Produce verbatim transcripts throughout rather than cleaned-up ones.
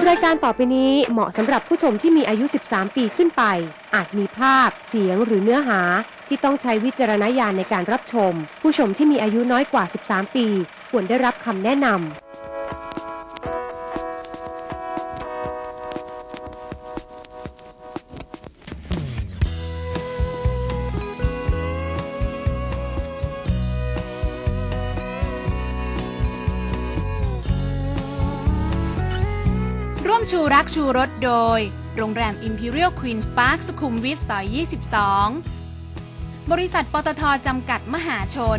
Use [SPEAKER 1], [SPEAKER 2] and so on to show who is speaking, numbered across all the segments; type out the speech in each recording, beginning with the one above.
[SPEAKER 1] รายการต่อไปนี้เหมาะสำหรับผู้ชมที่มีอายุ สิบสาม ปีขึ้นไปอาจมีภาพเสียงหรือเนื้อหาที่ต้องใช้วิจารณญาณในการรับชมผู้ชมที่มีอายุน้อยกว่า สิบสาม ปีควรได้รับคำแนะนำ
[SPEAKER 2] ร่วมชูรักชูรสโดยโรงแรม Imperial Queen's Park สุขุมวิทซอย ยี่สิบสอง บริษัทปตท.จำกัดมหาชน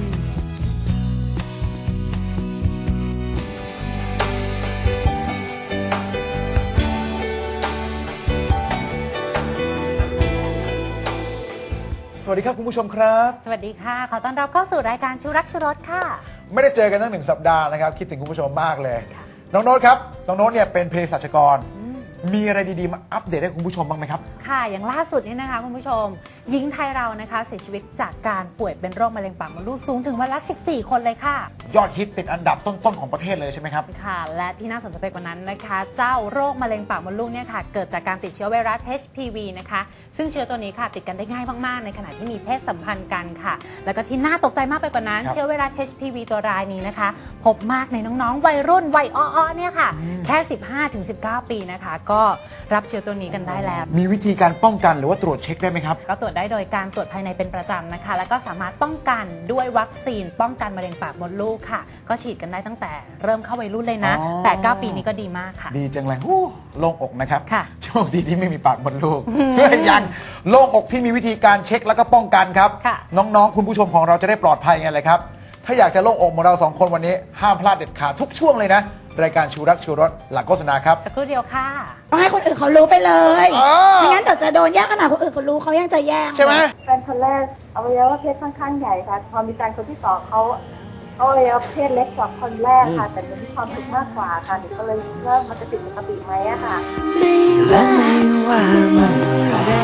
[SPEAKER 3] สวัสดีครับคุณผู้ชมครับ
[SPEAKER 4] สวัสดีค่ะขอต้อนรับเข้าสู่รายการชูรักชูรสค่ะ
[SPEAKER 3] ไม่ได้เจอกันตั้งหนึ่งสัปดาห์นะครับคิดถึงคุณผู้ชมมากเลยน้องโน้ตครับน้องโน้ตเนี่ยเป็นเภสัชกรมีอะไรดีๆมาอัปเดตให้คุณผู้ชมบ้างไหมครับ
[SPEAKER 4] ค่ะอย่างล่าสุดนี่นะคะคุณผู้ชมหญิงไทยเรานะคะเสียชีวิตจากการป่วยเป็นโรคมะเร็งปากมดลูกสูงถึงวันละสิบสี่คนเลยค่ะ
[SPEAKER 3] ยอดฮิตติดอันดับต้นๆของประเทศเลยใช่ไหมครับ
[SPEAKER 4] ค่ะและที่น่าสนใจไปกว่านั้นนะคะเจ้าโรคมะเร็งปากมดลูกเนี่ยค่ะเกิดจากการติดเชื้อไวรัส เอช พี วี นะคะซึ่งเชื้อตัวนี้ค่ะติดกันได้ง่ายมากๆในขณะที่มีเพศสัมพันธ์กันค่ะแล้วก็ที่น่าตกใจมากไปกว่านั้นเชื้อไวรัส เอช พี วี ตัวรายนี้นะคะพบมากในน้องๆวัยรุ่นวัยอ้อๆเนี่ยค่ะแค่ สิบห้าถึงสิบเก้า ปีนะคะก็รับเชื้อตัวนี้กันได้แล้ว
[SPEAKER 3] มีวิธีการป้องกันหรือว่าตรวจเช็คได้ไหมครับ
[SPEAKER 4] ก็ตรวจได้โดยการตรวจภายในเป็นประจำนะคะแล้วก็สามารถป้องกันด้วยวัคซีนป้องกันมะเร็งปากมดลูกค่ะก็ฉีดกันได้ตั้งแต่เริ่มเข้าวัยรุ่นเลยนะ แปดเก้า ปีนี้ก็ดีมากค่ะ
[SPEAKER 3] ดีจังเลยฮู้โล่งอกนะครับ
[SPEAKER 4] ค่ะ
[SPEAKER 3] โชคดีที่ไม่มีปากมดลูกเพื่อยังโล่งอกที่มีวิธีการเช็คแล้วก็ป้องกันครับน้องๆคุณผู้ชมของเราจะได้ปลอดภัยไงเลยครับถ้าอยากจะโล่งอกเหมือนเราสองคนวันนี้ห้ามพลาดเด็ดขาดทุกช่วงเลยนะรายการชูรักชูรสหลังโฆษณาครับ
[SPEAKER 4] สักครู่เดียวค่ะ
[SPEAKER 5] ต้องให้คนอื่นเขารู้ไปเลยไม่งั้นเดี๋ยวจะโดนแย่งขนาดคนอื่นเขารู้เขายังจะแย่ง
[SPEAKER 3] ใช่ไหม
[SPEAKER 6] แฟนคนแรกอวัยวะเพศค่อนข้างใหญ่ค่ะพอมีการคนที่สองเขาเขาอวัยวะเพศเล็กกว่าคนแรกค่ะแต่หนูมีความสุขมากกว่าค่ะหนูก็เลยเริ่มมันจะติดปกติไหมอะค่ะ
[SPEAKER 7] และไม่ว่าเมื่อไร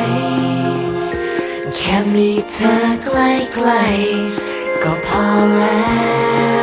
[SPEAKER 7] แค่มีเธอใกล้ๆก็พอแล้ว